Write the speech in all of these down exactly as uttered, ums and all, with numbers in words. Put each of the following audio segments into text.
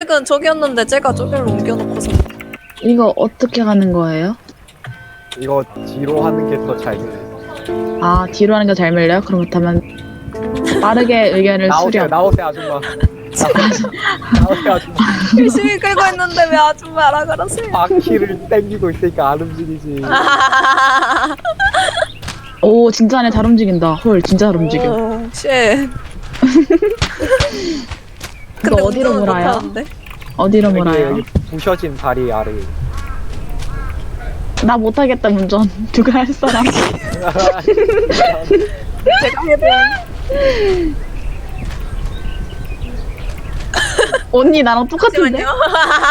색은 저기였는데 제가 저기로 옮겨놓고서. 이거 어떻게 가는 거예요? 이거 뒤로 하는 게 더 잘 밀려. 아 뒤로 하는 게 잘 밀려요? 그렇다면 빠르게 의견을 나오세요, 수렴. 나오세요 아줌마. 나오세요 아줌마. 열심히 끌고 있는데 왜 아줌마라 그러세요? 바퀴를 땡기고 있으니까 안 움직이지. 오 진짜네, 잘 움직인다. 헐 진짜 잘 움직여. 오, 쉣. 그거 어디로 운전은 몰아요? 못하는데? 어디로 여기, 몰아요? 여기 부셔진 다리 아래. 나 못하겠다 운전. 누가 할 사람? 제가 해본. 언니 나랑 똑같은데? 잠시만요.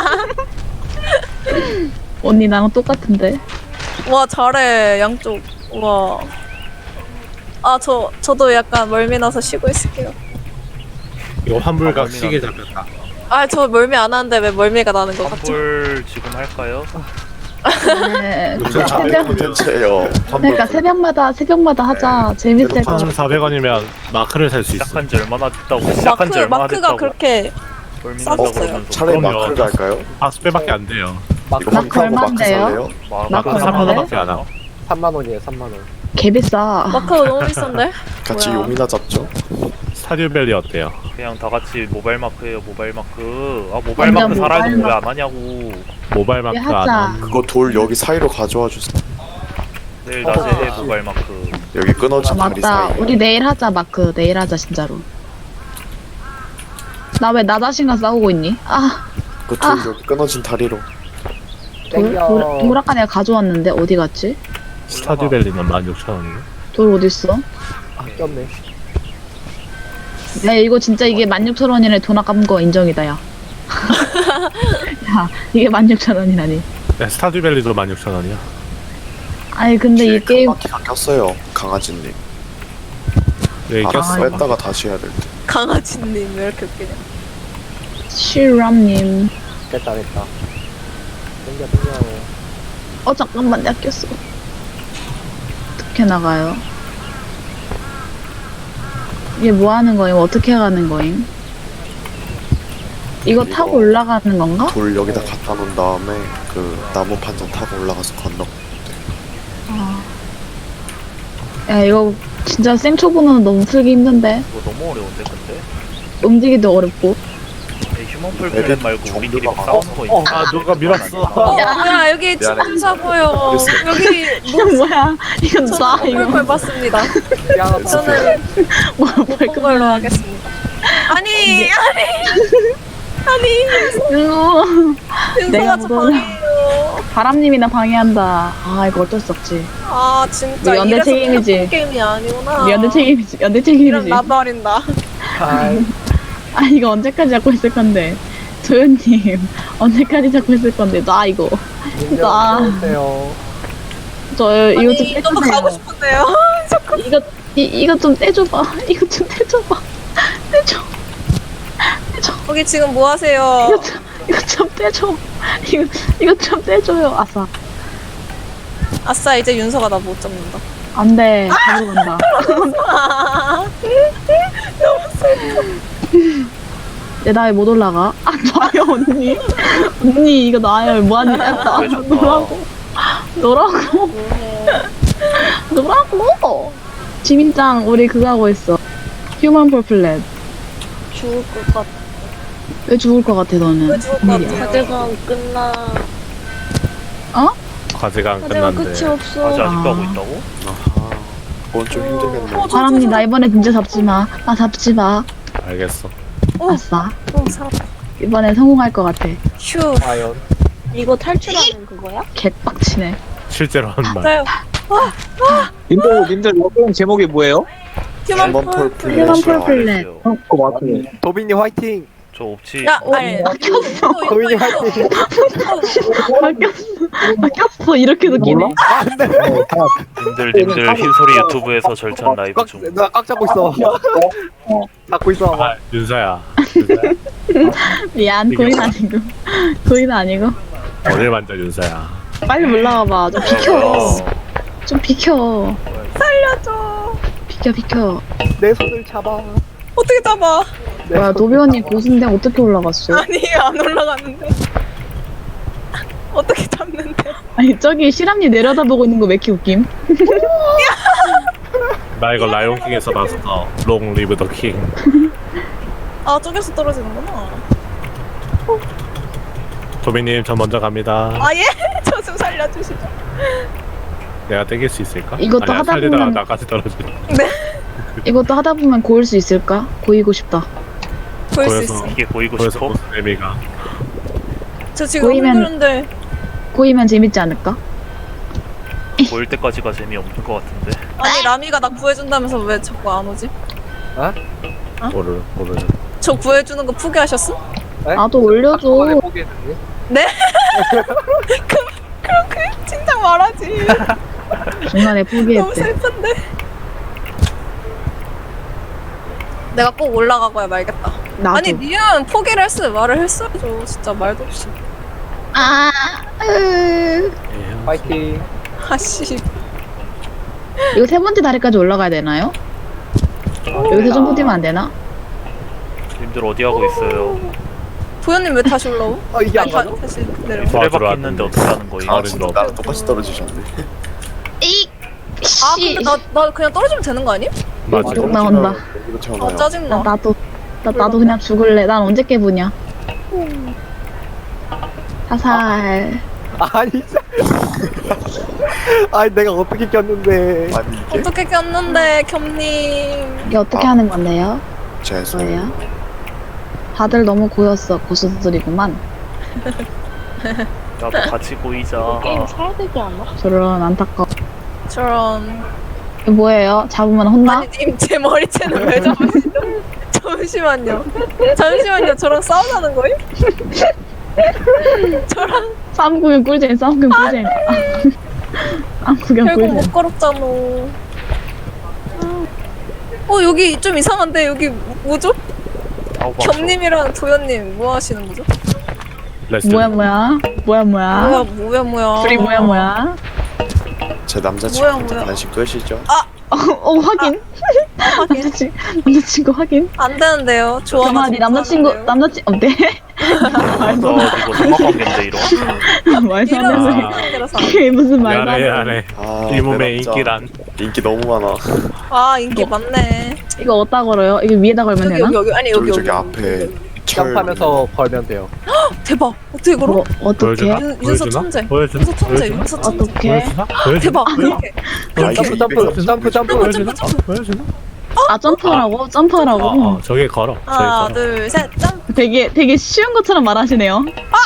언니 나랑 똑같은데? 와 잘해 양쪽. 와. 아 저 저도 약간 멀미 나서 쉬고 있을게요. 이거 환불각 시계 잡혔다. 아 저 멀미 안 하는데 왜 멀미가 나는 것 같죠? 환불 지금 할까요? 네. 무슨 자매 새벽, 콘텐츠예요. 그러니까 새벽마다 새벽마다 하자. 재밌을 것 같아. 삼천사백 원이면 마크를 살 수 있어. 시작한 지 얼마나 됐다고 시작한 마크 지 얼마나 마크가 됐다고 그렇게 멀미 쌌었어요. 난다고 그러면서 차라리 그럼요. 마크를 갈까요? 박스빼밖에 안 돼요. 이거 마크 마크하고 마크 얼만데요? 살래요? 마- 마크 마크 삼만 얼마인데? 원밖에 안 와. 삼만 원이에요, 삼만 원. 개 비싸. 마크가 너무 비싼데? 같이 뭐야. 용이나 잡죠. 스타듀밸리 어때요? 그냥 다 같이 모바일 마크예요 모바일 마크. 아 모바일 완전 마크 살아있는 모바일 거 왜 안 하냐고. 모바일 마크 안 하자. 하는. 그거 돌 여기 사이로 가져와 주세요. 내일 낮에 해 모바일 마크. 여기 끊어진 아, 다리 맞다. 사이. 우리 내일 하자 마크. 내일 하자 진짜로. 나 왜 나 자신과 싸우고 있니? 아, 그 돌 아. 여기 끊어진 다리로. 돌, 땡겨. 돌, 돌 아까 내가 가져왔는데 어디 갔지? 스타듀밸리는 만 육천 원이고. 돌 어딨어? 아, 꼈네. 야 이거 진짜 이게 만 육천 원이네. 돈 아까운 거 인정이다 야. 야 이게 만 육천 원이라니. 네, 스타듀밸리도 만 육천 원이야. 아니 근데 뒤에 이 게임 바퀴가 꼈어요. 강아지님. 네, 아, 꼈어. 뺐다가 다시 해야 될 때. 강아지님 왜 이렇게 웃기냐? 시람님. 됐다, 됐다. 땡겨, 땡겨. 어 잠깐만 내가 꼈어. 어떻게 나가요? 이게 뭐 하는 거임? 어떻게 가는 거임? 이거 이거- 타고 올라가는 건가? 돌 여기다 갖다 놓은 다음에 그 나무 판자 타고 올라가서 건너. 아. 야 이거 진짜 생초보는 너무 풀기 힘든데 이거 너무 어려운데 근데. 움직이도 어렵고. 이 휴먼 풀플랜 말고 우리끼리 막 정도가 싸우는 거 있어. 아, 누가 밀었어. 어 뭐야 여기 미안해. 진짜 보여. 여기 이거 뭐야? 이건 나 저는 이거 꿀꿀 봤습니다. 미안하다. 저는 뭐야 본 걸로 하겠습니다. 아니 아니 아니 이거 내가 윤서가 저 묻어나- 방이에요. 바람님이나 방해한다. 아 이거 어쩔 수 없지. 아 진짜 우리 연대 이래서 책임이지. 플랫폼 게임이 아니구나. 우리 연대 책임이지. 연대 이런 책임이지. 나발인다. 아이, 아 이거 언제까지 잡고 있을 건데. 도현님 언제까지 잡고 있을 건데. 나 이거 나- 민정, 저 이거 좀 아니 너무 가고 떼주세요. 싶은데요. 이거 이, 이거 좀 떼줘봐. 이거 좀 떼줘봐. 떼줘. 거기 지금 뭐 하세요? 이거 좀 이거 좀 떼줘. 이거 이거 좀 떼줘요. 아싸. 아싸 이제 윤서가 나 못 잡는다. 안돼. 잡으러 간다. 내 나왜 못 올라가? 아 나요 언니. 언니 이거 나요. 뭐하니? 나 왜 좋다. 노라고. 노라고. 노라고. 지민짱 우리 그거 하고 있어. 휴먼 폴플렛. 죽을 것 같아. 왜 죽을 것 같아 너는? 왜 죽을 것 일이야. 같아? 과제가 끝나. 과제가 안 과제가 끝났는데. 끝이 없어. 과제 아직도 아. 하고 있다고? 아하. 그건 좀 힘들겠네. 어, 저- 바람님 나 이번에 진짜 잡지 마. 나 잡지 마. 알겠어. 어. 아싸. 어 살았다. 이번에 성공할 것 같아. 휴. 과연. 이거 탈출하는 그거야? 개빡치네. 실제로 한 말. 맞아요. 님들 님들 이거 게임 제목이 뭐예요? 휴먼 휴먼 폴. 폴 휴먼 플랫이요. 폴플렛. 알겠어요. 어 맞네. 도빈님 화이팅! 저 옵치. 야, 아니. 도빈님 화이팅! 바뀌었어. 바뀌었어. 이렇게 느끼네. 몰라? 님들 님들 흰소리 유튜브에서 절찬 라이브 꽉, 중. 나꽉 잡고 있어. 잡고 있어. 아, 윤서야. 윤서야. 미안. 고인 아니고. 고인 아니고. 어딜 만져 윤서야. 빨리 올라와봐. 좀 비켜. 뭐야. 좀 비켜. 살려줘. 비켜 비켜. 내 손을 잡아. 어떻게 잡아? 뭐야 도비언니 고수인데 어떻게 올라갔어? 아니 안 올라가는데. 어떻게 잡는데? 아니 저기 실함니 내려다보고 있는 거 왜 이렇게 웃김? 나 이거 라이온킹에서 봤어. 롱 리브 더 킹. 아 저기서 떨어지는구나. 도비님 저 먼저 갑니다. 아 예? 저 좀 살려주시죠. 내가 땡길 수 있을까? 이것도 아니야, 하다 살리다가 보면- 나까지 떨어지네. 이것도 하다 보면 고일 수 있을까? 고이고 싶다. 보일 수 보여서. 있어. 이게 보이고 그래서 싶어? 무슨 의미가? 저 지금 보이면- 힘드는데. 고이면 재밌지 않을까? 보일 때까지가 재미없는 것 같은데. 아니 라미가 나 구해준다면서 왜 자꾸 안 오지? 모르 모르는. 저 구해주는 거 포기하셨어? 나도 올려줘. 한꺼번에 포기했는데. 그럼 그 진작 말하지. 중간에 너무 포기했대. 슬픈데. 내가 꼭 올라가고야 말겠다. 나도. 아니 니은 포기를 했어. 말을 했어야죠. 진짜 말도 없이. 아, 으... 화이팅. 아씨. 이거 세 번째 다리까지 올라가야 되나요? 여기서 점프 뛰면 안 되나? 님들 어디 하고 있어요? 도현님 왜 다시 올라오? 어 이게 안 아니, 다, 맞아? 다시 내려. 이 수레바퀴 들어왔는데. 있는데 어떻게 하는 거예요? 아 어른 진짜 너. 나랑 똑같이 떨어지셨네. 이, 아 근데 나, 나 그냥 떨어지면 되는 거 아니? 맞아. 쭉 나온다. 이거 아 잖아요. 나, 짜증나. 나도 나, 나도 그냥 죽을래. 난 언제 깨부냐? 사살. 아니 진짜. 아니 내가 어떻게 꼈는데. 아니 이게 어떻게 꼈는데 겸님. 이게 어떻게 아. 하는 건데요? 죄송. 뭐예요? 다들 너무 고였어. 고수들이구만. 나도 같이 보이자. 게임 사야 되지 않아? 저런 안타까워. 저런. 이거 뭐예요? 잡으면 혼나? 아니 님 제 머리채는 왜 잡으시죠? 잠시만요. 잠시만요. 저랑 싸우자는 거예요? 저랑 싸움 구경 꿀잼, 싸움 구경 꿀잼. 싸움 구경 결국 꿀잼. 못 걸었잖아. 어 여기 좀 이상한데 여기 뭐죠? 아우 막 겸님이랑 도현님 뭐 하시는 거죠? 레스트. 뭐야 뭐야? 뭐야 뭐야? 뭐야 뭐야 뭐야. 둘이 뭐야 뭐야? 제 뭐야, 남자친구한테 뭐야. 관심 끄시죠? 어, 어 확인. 하긴 남자친 남자친구 확인. 안 되는데요. 좋아. 경아 네 남자친구 남자친 어때? 너 이거 삼각관계인데 이런. 말도 안 이런 되는 아. 상태라서. 이게 무슨 말도 안 미안해 돼. 미안해. 아, 이 몸의 내 남자. 인기란. 인기 너무 많아. 아 인기 많네. 이거 어디다 걸어요? 이게 위에다 걸면 여기 되나? 여기 여기 아니 여기 저기 여기. 저기 앞에 철. 점프하면서 걸면 돼요. 대박. 어떻게 걸어? 뭐 어떻게? 보여주나? 윤- 윤서 보여주나? 천재. 보여주나? 윤서 천재. 보여주나? 윤서 천재. 어떻게? 보여주나? 보여주나? 대박. 보여주나? 그렇게. 아, 이게 점프 점프 점프 점프. 보여주나? 어, 보여주나? 아 점프하라고? 점프하라고? 어, 어, 저기 걸어. 저기 하나 걸어. 둘 셋. 점. 되게 되게 쉬운 것처럼 말하시네요.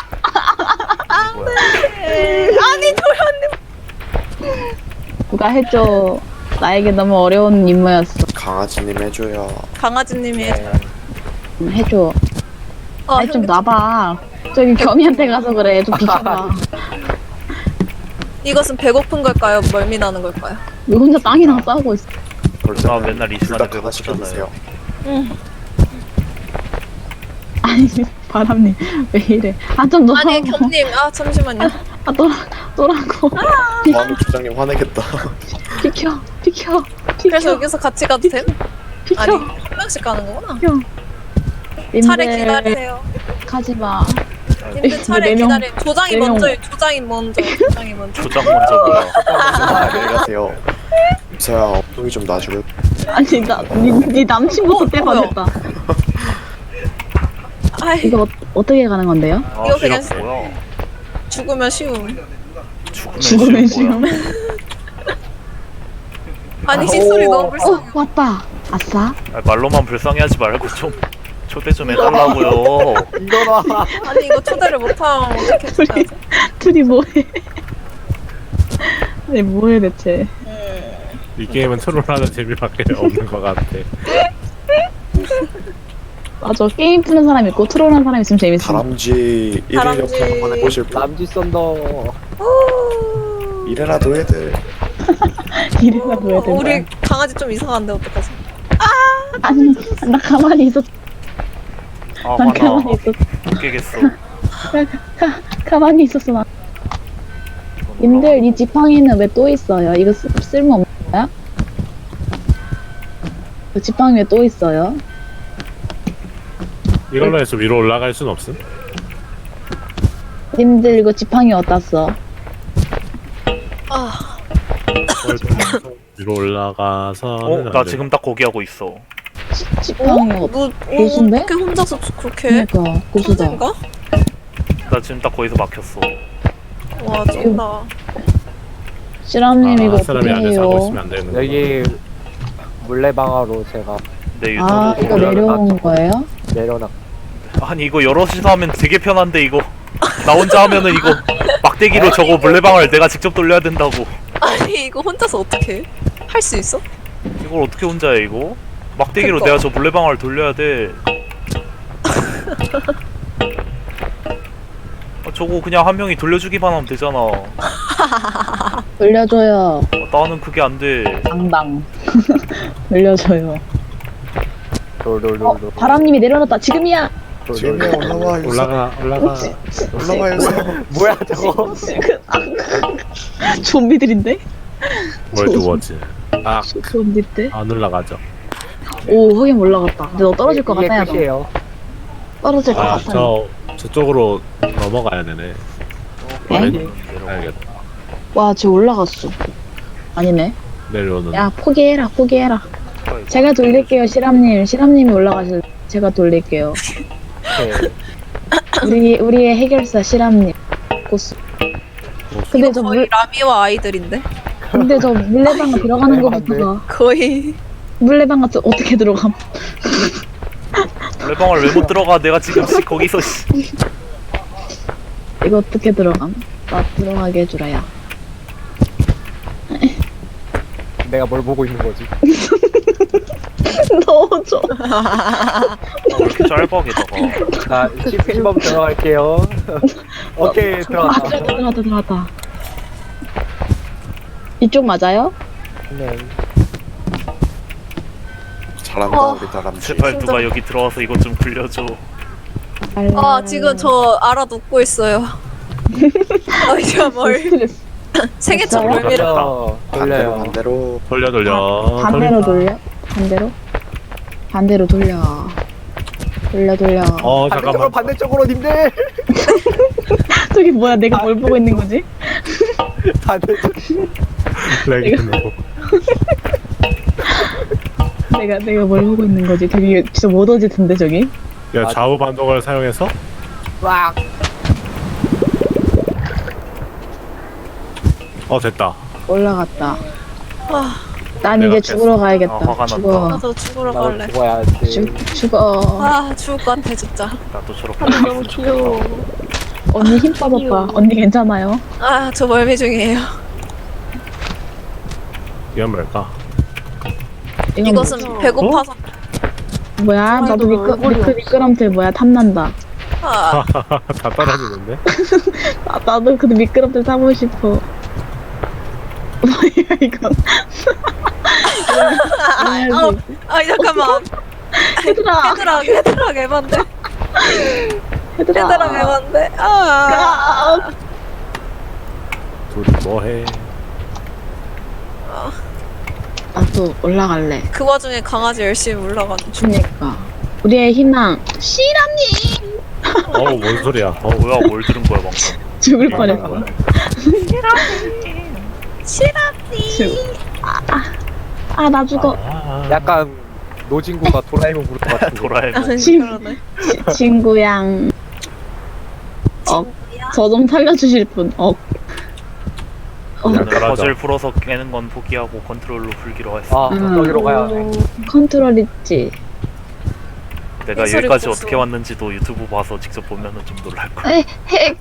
아니 도현님. 누가 해줘. 나에게 너무 어려운 임무였어. 강아지님 해줘요. 강아지님이 해줘요. 음, 해줘. 어, 아니 좀 형님. 놔봐. 저기 겸이한테 가서 그래. 좀 비켜봐. 이것은 배고픈 걸까요? 멀미 나는 걸까요? 왜 혼자 땅이랑 싸우고 있어? 그럴 아, 때는 맨날 이 둘 시간에 다 하나씩 배고프잖아요. 해주세요. 아니 바람님 왜 이래? 아 좀 놓아. 아니 겸님. 아 잠시만요. 아 또라 또라고. 마음 주장님 화내겠다. 비켜 비켜 그래서 비켜 여기서 같이 가도 됨? 아니 비켜. 한 명씩 가는 거구나. 님들 차례 기다리세요. 가지 마. 님들 차례 네 명- 기다려. 조장이 네 명- 먼저. 조장이 먼저. 조장이 먼저. 조장 먼저 뭐야? 안녕히 가세요. 서야 엉덩이 좀 놔줄래? 아니 나네 남친부터 어, 떼봐겠다. 아이 이거 어, 어떻게 가는 건데요? 아 이거 이거 그냥 뭐야? 죽으면 쉬움. 죽으면, 죽으면 쉬운 거야. 쉬움. 아니 시소리 너무 불쌍해. 어 왔다. 아싸. 아, 말로만 불쌍해하지 말고 좀 초대 좀 해달라고요. 이거라. 아니 이거 초대를 못하면 어떻게 해줘야지? 둘이 뭐해? 아니 뭐해 대체? 이 게임은 트롤하는 재미밖에 없는 것 같아. 맞아 게임 푸는 사람 있고 트롤하는 사람 있으면 재밌어. 다람쥐 일일 다람쥐. 옆에 한번 해보실 분? 남지 썬더. 이래라도 해들. 이래서 보여야 된다. 우리 강아지 좀 이상한데 어떡하지? 아니 나 가만히 있었. 아 난 화나. 가만히 있었. 웃기겠어. 가, 가만히 있었어 나. 님들 이 지팡이는 왜 또 있어요? 이거 쓰, 쓸모 없는 거야? 그 지팡이 왜 또 있어요? 이걸로 해서 위로 올라갈 순 없음? 님들 이거 지팡이 어디다 써? 아, 위로 올라가서 어? 나 지금 딱 거기 하고 있어. 지팡이 어디? 뭐, 어, 고수인데? 어떻게 혼자서 그렇게 해? 그러니까 고수다. 천재인가? 나 지금 딱 거기서 막혔어. 와, 쩐다. 시람님 이거 아, 사람이 어떻게 안에서 하고 해요? 있으면 안 되는 거. 여기 물레방아로 제가 내 유튜브 아 이거 보면 내려온 거예요? 내려놨. 아니 이거 여럿이서 하면 되게 편한데 이거 나 혼자 하면은 이거 막대기로 저거 물레방아를 내가 직접 돌려야 된다고. 아니, 이거 혼자서 어떻게 해? 할 수 있어? 이걸 어떻게 혼자 해 이거? 막대기로 그니까. 내가 저 물레방아를 돌려야 돼. 아, 저거 그냥 한 명이 돌려주기만 하면 되잖아. 어, 돌려줘요. 나는 그게 안 돼. 당당. 돌려줘요. 어, 롤롤롤롤. 바람님이 내려놨다. 지금이야. 지금이야 올라와 유서 올라가 올라가. 올라와 유서. 뭐야 저거? 좀비들인데? 뭘 두었지? 아, 좀비들? 안 올라가죠. 오 거긴 올라갔다. 근데 너 떨어질 것 이게 같아요. 너. 끝이에요. 떨어질 것 아, 같아요. 저 저쪽으로 넘어가야 되네. 네? 알겠다. 와, 쟤 올라갔어. 아니네. 내려오는. 야, 포기해라, 포기해라. 제가 돌릴게요, 시람님. 시람님이 올라가실. 제가 돌릴게요. 네. 우리 우리의 해결사 시람님. 고수. 근데 이거 저 거의 물, 라미와 아이들인데? 근데 저 물레방아 들어가는 것부터가 거의. 물레방아 저 어떻게 들어감? 물레방아를 왜 못 들어가? 내가 지금 씨 거기서 씨. 이거 어떻게 들어감? 나 들어가게 해주라야. 내가 뭘 보고 있는 거지? 넣어줘. 아, 왜 이렇게 짧아 게다가. 자, 십 번 들어갈게요. 오케이 아, 들어갔다. 들어갔다, 들어갔다, 들어갔다. 이쪽 맞아요? 네. 잘한다 어. 우리 다람쥐. 제발 누가 여기 들어와서 이것 좀 굴려줘. 아, 지금 저 알아듣고 있어요. 아, 이제 뭘. 스트레스. 생애첫 됐어요? 멀미를. 돌려 반대로 돌려요. 반대로. 돌려 돌려. 반대로 돌려? 반대로? 반대로 돌려. 돌려, 돌려. 어 반대쪽으로 잠깐만. 반대쪽으로 님들. 저기 뭐야, 내가 뭘 보고 있는 거지? 반대쪽. 렉이 너무. 내가, 내가 뭘 보고 있는 거지? 되게 진짜 못 어지던데, 저기? 야 좌우 반동을 사용해서. 와. 어 됐다. 올라갔다. 아, 난 내가 이제 죽으러 가야겠다. 아, 화가 죽어. 나도 죽으러 나도 갈래. 죽어야지. 죽, 죽어. 아, 죽을 것 같아, 진짜. 나도 저렇게. 너무 귀여워. 언니 힘 빠졌다. 언니 괜찮아요? 아, 저 멀미 중이에요. 이건 뭘까? 이건 이것은 배고파서. 뭐야? 나도 미끄, 얼굴이 미끄, 미끄럼틀 뭐야? 탐난다. 아, 다 떨어지는데? 나, 나도 그 미끄럼틀 타고 싶어. 뭐야, 이건. 아, 아, 잠깐만. 얘들아! 헤드락, 헤드락 에반데. 얘들아! 헤드락 에반데. 아, 둘이 뭐해? 나도 올라갈래. 그 와중에 강아지 열심히 올라가는 중. 그니까. 우리의 희망. 시람님! 어우 뭔 소리야? 어 어 뭐야 뭘 들은 거야 방금. 죽을 뭐야? 뻔했어. 시라니. 아, 나 죽어. 아, 약간 노진구가 도라에몽 부를 것 같은데. 도라에몽. 그러네. 친구양. 어, 저 좀 살려주실 분. 어. 어. 오늘 잘하자. 퍼즐 풀어서 깨는 건 포기하고 컨트롤로 풀기로 했어. 아, 저기로 가야 돼. 컨트롤 있지. 내가 해설이 여기까지 없어서. 어떻게 왔는지도 유튜브 봐서 직접 보면은 좀 놀랄 거야. 에, 핵.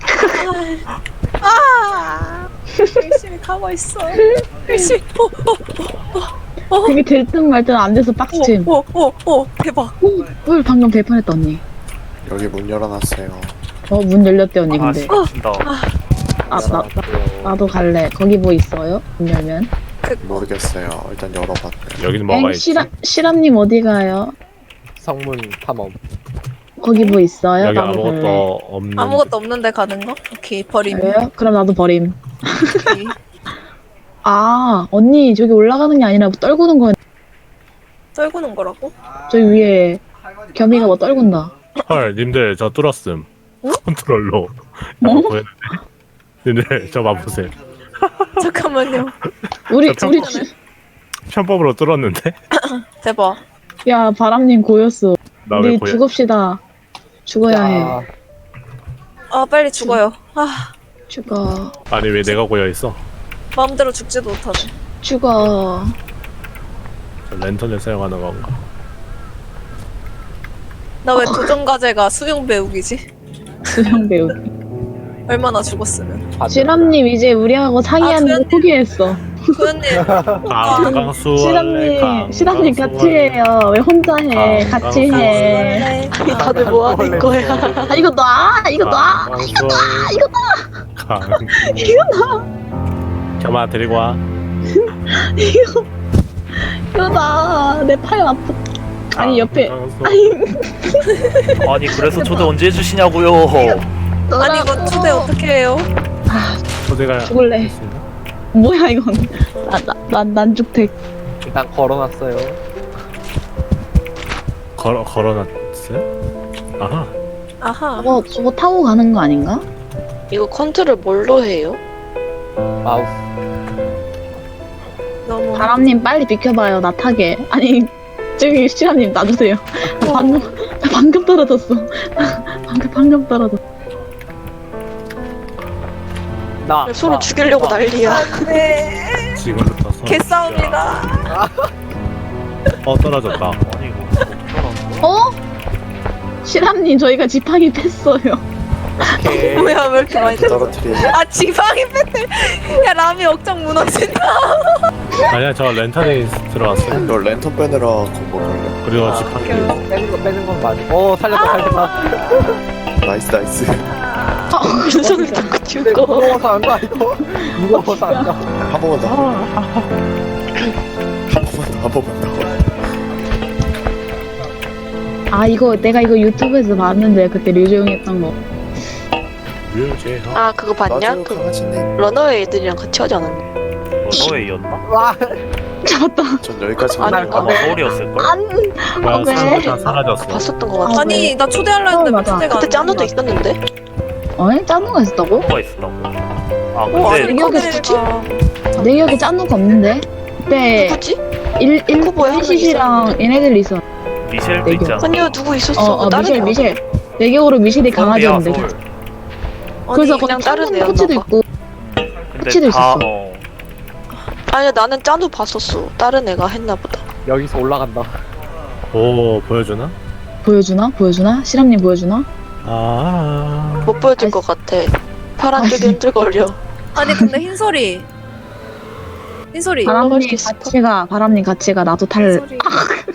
아, 열심히 가고 있어. 열심히. 오, 오, 그게 될 듯 말 듯 안 돼서 빡침. 오, 오, 오, 대박. 오, 헐, 방금 될 뻔했다, 언니. 여기 문 열어놨어요. 어, 문 열렸대, 언니, 아 근데. 씨, 미친다. 아, 나, 나, 나도 갈래. 거기 뭐 있어요? 문 열면. 모르겠어요. 일단 열어봤네. 여기는 뭐가 엥, 있지? 시라, 시람님 어디 가요? 성문 탐험. 거기 뭐 있어요? 여기 나도 갈래. 아무것도 없는. 아무것도 없는데 가는 거? 오케이, 버림. 왜요? 그럼 나도 버림. 오케이. 아, 언니, 저기 올라가는 게 아니라 뭐 떨구는 거야. 떨구는 거라고? 저기 위에 겸이가 뭐 떨군다. 헐 님들 저 뚫었음. 컨트롤로. 뭐? 어? 보였는데. 님들 저 봐보세요. 잠깐만요. 우리 저 우리 편법- 편법으로 뚫었는데? 대박. 야 바람님 고였어. 나 왜 우리 보여? 죽읍시다. 죽어야 해. 야, 아 빨리 죽어요. 아 죽어. 아니 왜 내가 고여 있어? 마음대로 죽지도 못하네. 죽어. 저 랜턴을 사용하는 건가? 나 왜 도전 과제가 수영 배우기지? 수영 배우기. 얼마나 죽었으면. 아, 시람님 이제 우리하고 상의하는 거 소연님. 포기했어. 소연님 강강수 시람님, 시람님 같이 해요. 왜 혼자 해? 아, 같이 해. 원래 다들 뭐 하는 거야? 아 이거 놔, 이거 놔. 이거 나 이거 나 이거 나 겸아 데리고 와. 이거 이거 놔. 내 팔 아프. 아니 옆에. 강강수. 아니 그래서 초대 언제 해주시냐고요. 아니 이거 초대 어떻게 해요? 초대가 죽을래. 됐습니다. 뭐야 이건? 나난 난죽택. 일단 걸어놨어요. 걸어 걸어놨어요? 아하. 아하. 저거 저거 타고 가는 거 아닌가? 이거 컨트롤 뭘로 해요? 마우스. 너무. 바람님 빨리 비켜봐요. 나 타게. 아니 저기 시람님 놔주세요. 나 방금 나 방금 떨어졌어. 방금 방금 떨어졌어. 나. 서로 나, 죽이려고 나. 난리야. 네. 지금부터 서. 개싸움이다. 어 떨어졌다. 아니 이거 어? 시람님 저희가 지팡이 뺐어요. 오케이. 뭐야 왜 이렇게 많이 됐어? 떨어뜨리. 아 지방이 뺐네. 야 라미 억장 무너진다. 아니야 저 랜턴에 들어왔어요. 너 랜턴 빼느라 공부 걸려. 그리고 지팡이. 빼는 거 빼는 건 맞아. 오 살렸다 살렸다. 나이스 나이스. 윤선을 자꾸 근데 죽어. 무거워서 안 가 이거. 무거워서 안 가. 한 번만 더. 한 번만 더. 한 번만 더. 아 이거 내가 이거 유튜브에서 봤는데 그때 류재용 했던 거. 뮤제하. 아 그거 봤냐? 나중에 그 강아지님. 러너웨이 애들이랑 같이 하지 않았냐? 너웨이였나? 와. 잡았다. 전 여기까지 아니, 가는 거. 아마 서울이었을걸? 안. 뭐야 왜? 사라졌어. 사라졌어. 봤었던 것 같아. 아니 나 초대하려 했는데 어, 왜 맞아. 초대가 그때 안 짠호도 되냐. 있었는데? 어? 짠누가 있었다고? 뭐가 있었다고? 아 어, 아니 근데 기억에 커플이가 내 기억에 짠누가 없는데. 그때 누구지? 일 일 그거 뭐야? 일시시랑 얘네들 있어. 미셸도 내 있지 않아? 아니요 누구 있었어? 어, 어 다른 미셸 애가. 미셸. 내 기억으로 미셸이 서울이야 강아지였는데. 서울. 그래서 그냥 거기 다른 다른 애였나 코치도 봐. 있고. 근데 코치도 다 있었어. 어. 아니야 나는 짠호 봤었어. 다른 애가 했나 보다. 여기서 올라간다. 오 보여주나? 보여주나? 보여주나? 시람님 보여주나? 아. 못 보여줄 것 같아. 파란 쪽이 흔들거려. 아니 근데 흰소리. 흰소리. 바람님 올라갈 수 있을까? 같이 가. 바람님 같이 가. 나도 탈. 흰소리.